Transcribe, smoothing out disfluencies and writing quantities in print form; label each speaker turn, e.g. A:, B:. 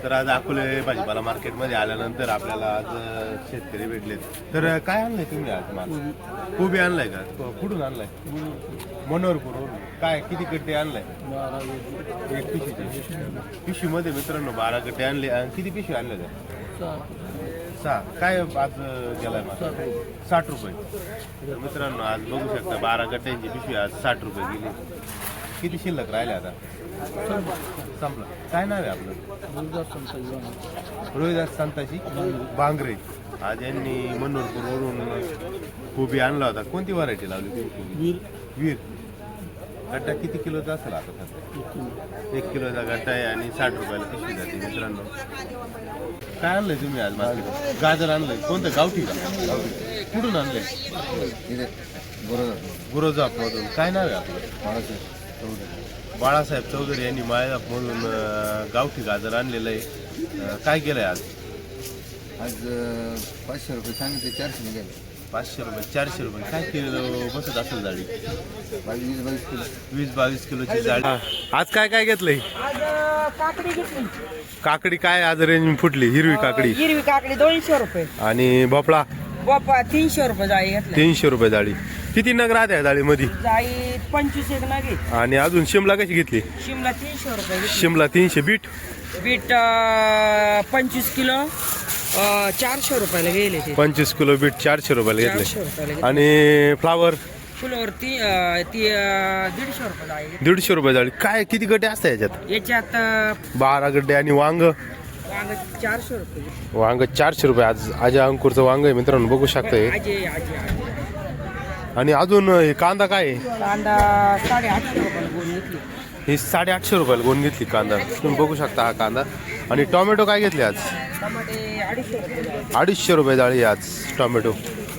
A: तर आज अकोले भाजीपाला मार्केटमध्ये आल्यानंतर आपल्याला आज शेतकरी भेटले. तर काय आणलंय तुम्ही आज माल? कोबी आणलाय का? कुठून आणलाय? मनोहरपूरवरून. काय किती गड्डे आणलाय? एक पिशवीमध्ये मित्रांनो 12 गड्डे आणले. किती पिशवी आणले? 6. काय आज गेलाय माल? 60 रुपये. तर मित्रांनो आज बघू शकता 12 गड्ड्यांची पिशवी आज 60 रुपये गेली. किती शिल्लक राहिले आता? संपलं. काय नाव आहे आपलं? रोहिदास संताजी बांगरे. आज यांनी मनोहरपूरवरून कोबी आणला होता. कोणती व्हरायटी लावली तुम्ही? वीर. गड्डा किती किलोचा असेल आता सध्या? 1 किलोचा गड्डा आहे आणि 60 रुपयाला पिशवी जाते. मित्रांनो काय आणलंय तुम्ही आज मार्केट? गाजर आणलंय. कोणतं? गावठी का? गावठी. कुठून आणलंय? गुरोजापमधून. काय नाव आहे आपलं? बाळासाहेब चौधरी यांनी माळेगावमधून गावठी गाजर आणलेलं आहे. काय केलंय आज?
B: 500 रुपये सांगितले, 400 निघाले.
A: 500 रुपये 400 रुपये. काय किलो बसत असेल जाळी?
B: 20-22 किलो.
A: 20-22 किलोची जाळी. आज काय काय घेतलंय?
C: काकडी घेतली.
A: काकडी काय आज रेंज फुटली? हिरवी काकडी.
C: हिरवी काकडी 200 रुपये.
A: आणि भोपळा?
C: बापा 300 रुपये जाळी घेतली.
A: 300 रुपये जाळी. किती नग राहते या जाळीमध्ये?
C: जाळी 25 एक नग आहे.
A: आणि अजून शिमला कशी घेतली?
C: शिमला 300 रुपये घेतली.
A: शिमला 300. बीट?
C: बीट 25 किलो 400 रुपयाला गेले ते.
A: 25 किलो बीट 400 रुपयाला
C: 400
A: घेतले.
C: रुपयाला घेतले.
A: आणि फ्लावर?
C: फुलावर ती 150 रुपये जाळी घेतली.
A: 150 रुपये जाळी. काय किती गड्डे असतात याच्यात?
C: याच्यात
A: 12 गड्डे. आणि वांग?
C: वांग 400 रुपये.
A: वांग 400 रुपये. आज अजय अंकुरचं वांग आहे मित्रांनो, बघू शकताय.
C: आजी
A: आणि अजून हे कांदा काय आहे?
C: कांदा 850 रुपयाला गोणी घेतली.
A: ही 850 रुपयाला गोण घेतली कांदा. तुम्ही बघू शकता हा कांदा. आणि टोमॅटो काय घेतले आज?
C: टमाटे 250 रुपये जाळी.
A: 250 रुपये जाळी आज टोमॅटो.